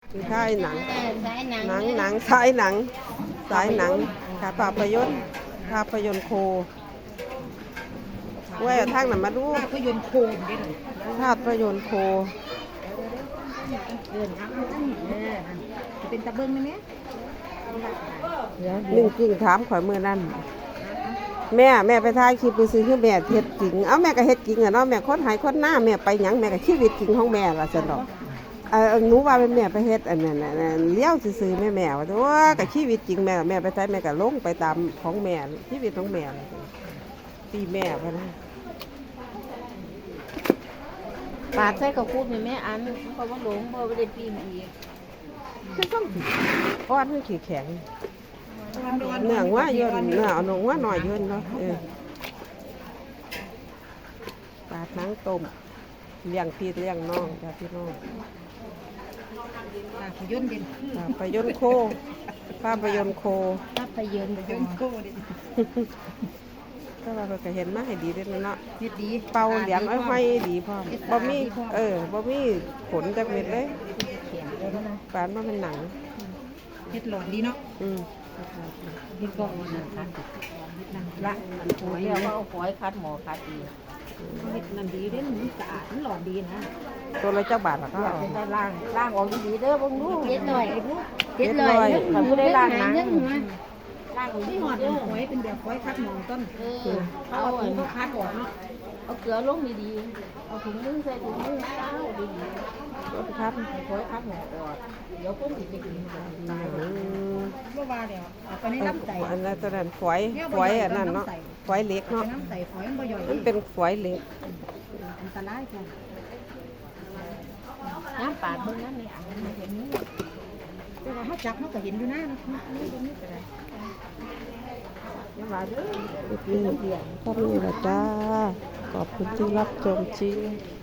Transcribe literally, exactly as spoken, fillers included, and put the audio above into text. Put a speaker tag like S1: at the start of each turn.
S1: คือค่ายหนัง
S2: เออสายหนัง
S1: หนังหนังสายหนังสายหนังค่ะภาพยนตร์ภาพยนตร์โคไว้เอาทางนั้นมาดู
S3: ภาพยนตร์โคมได้เลย
S1: ภาพยนตร์โค
S3: เดินทางนั่นเออจะเป็นตะเบิ้งไหมเนี่ย
S1: หนึ่งกิ่งถามข่อยมือนั่นแม่แม่ไปถ่ายคลิปไปซื้อคือแม่เฮ็ดจริงเอาแม่ก็เฮ็ดจริงอ่ะเนาะแม่คนหายคนหน้าแม่ไปหยังแม่ก็ชีวิตจริงของแม่ล่ะซั่นดอกเออหนูว่าเป็นแม่ไปเฮ็ดอันนั้นน่ะเลี้ยวซื่อๆแม่แม่ว่าตัวก็ชีวิตจริงแม่แม่ไปถ่ายแม่ก็ลงไปตามของแม่ชีวิตของแม่ตีแม่พะนะ
S2: ปาดใส่กับพูดแม่แม่อันเพราะว่าหลงเพราะว่าได้ปีนอีก
S1: คือต้องก้อนมันขี้แข็งเนื้อว่าเยอะเนื้อเอาหนงว่าหน่อยเยอะเนาะเออปลาทั้งต้มเลี้ยงพี่เลี้ยงน้องจ้าพี่น้อง
S3: ภาพยนตร์เด่น
S1: ภาพยนตร์โคภาพยนตร์โค
S2: ภาพยนตร์
S3: ภาพยนตร์โคเด่น
S1: ก็ว่าก็เห็นมาให้ดีด้วยเนาะ
S3: เฮ็ดดี
S1: เป่าเหลียงอ้อยห้อยดีพร้อมบ่มีเออบ่มีขนจักเม็ดเลย
S3: เขียนเลยนะ
S1: ปานว่าเป็นหนัง
S3: เฮ็ดหลอดดีเนาะ
S1: อืม
S3: นี่ก็นั่นค่ะนั่นละ
S2: หอยเรียกว่าเอาหอยคัดหมอคัดดี
S3: เฮ็ดนั่นดีเด่นมันสะอาดมันหลอดดีนะ
S1: ตัวละเจ้าบาทล่ะก็เอา
S2: เป็นได้ล่างล่างออกดีๆเด้อเบิ่งดูเฮ็ดหน่อย
S1: เฮ็ดหน่อย
S2: ถ้าผู้ได้ล่างหนังล่างออก
S3: ที่
S2: ดี
S3: หอด
S2: ๆเด้อ
S3: หอยเป็นแบบหอยคัดหมองต้น
S2: เออ
S3: เอา
S2: เอา
S3: ถุงก็คัดออกเนาะ
S2: เอาเกลือลงดีๆเอาถุงมือใส่ถุงมือเอาดี
S1: รถครับ
S2: ๆหอยคัดหมอออกเดี๋ยวคนสิไปกินกัน
S1: อืม
S3: บ่ว่าเดี๋ยวเอาไปในน้ำใส
S1: อันนั้นตัวนั้นฝอยฝอยอันนั้นเนาะฝอยเหล็ก
S3: เอา
S1: เนาะ
S3: ไปน้ำใสหอยมันบ่ย่อย
S1: มันเป็นฝอยเหล็ก
S3: อันตรายค่ะ
S2: น้ำปาดเบิ่งนั้นนี่อันนี้เห็นนี้
S3: แต่ว่าเขาจับเขาก็เห็นอยู่นะนี่ตรงนี้ก็ได้
S2: อย่าว่าเด้อ
S1: นี่ก็มีละจ้า ขอบคุณที่รับชมจริง